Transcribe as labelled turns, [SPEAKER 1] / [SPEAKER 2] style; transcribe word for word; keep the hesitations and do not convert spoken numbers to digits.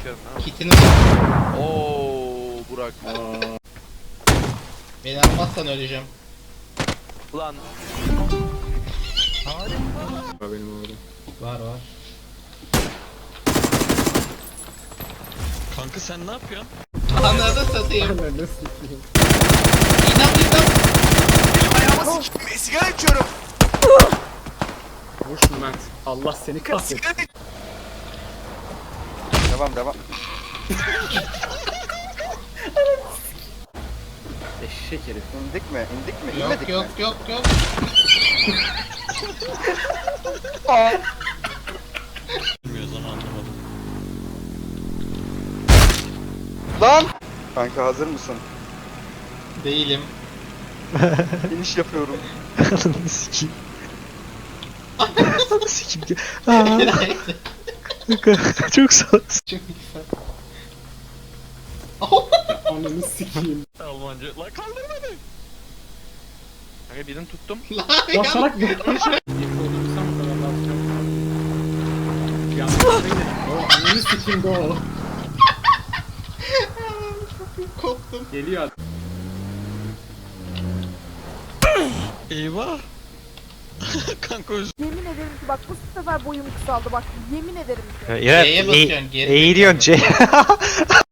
[SPEAKER 1] sikerim ha.
[SPEAKER 2] Kitini var.
[SPEAKER 1] Ooo Burak.
[SPEAKER 2] Beni almazsan öleceğim.
[SPEAKER 1] Ulan.
[SPEAKER 3] Benim orada.
[SPEAKER 2] Var var.
[SPEAKER 4] Kanka sen ne yapıyorsun?
[SPEAKER 2] Ananı satayım.
[SPEAKER 3] Ananı sikeyim.
[SPEAKER 2] İnan inan.
[SPEAKER 1] Ayağıma sikeyim. Sigara içiyorum.
[SPEAKER 3] Vur şunu Mert. Allah seni kahretsin.
[SPEAKER 1] Sigara iç. Devam devam.
[SPEAKER 3] Eşek herif.
[SPEAKER 1] İndik mi? İndik mi?
[SPEAKER 2] Yok
[SPEAKER 1] İnmedik
[SPEAKER 2] yok
[SPEAKER 1] mi?
[SPEAKER 2] yok yok.
[SPEAKER 4] Bilmiyoruz onu anlamadım.
[SPEAKER 1] Lan! Kanka hazır mısın?
[SPEAKER 2] Değilim.
[SPEAKER 1] İniş yapıyorum.
[SPEAKER 5] Ananı sikeyim. Ananı sikeyim. Aa, kanka, çok sağ ol.
[SPEAKER 2] Çok güzel.
[SPEAKER 3] Ananı sikeyim.
[SPEAKER 4] Almanca. Lan kaldır beni.
[SPEAKER 1] Kanka birini tuttum.
[SPEAKER 2] Lan
[SPEAKER 3] Ya
[SPEAKER 2] ya.
[SPEAKER 3] salak bir. Yapı oturursam bu kadar lazım. Yanlış yere O ananı sikeyim go.
[SPEAKER 2] Koptum.
[SPEAKER 3] Geliyor.
[SPEAKER 4] Eyvah. Kanka özür.
[SPEAKER 6] Yemin ederim ki bak bu sefer boyum kısaldı bak yemin ederim ki.
[SPEAKER 5] Ya,
[SPEAKER 2] C'ye
[SPEAKER 5] e-
[SPEAKER 2] basıyorsun, geri
[SPEAKER 5] eğiliyorsun C.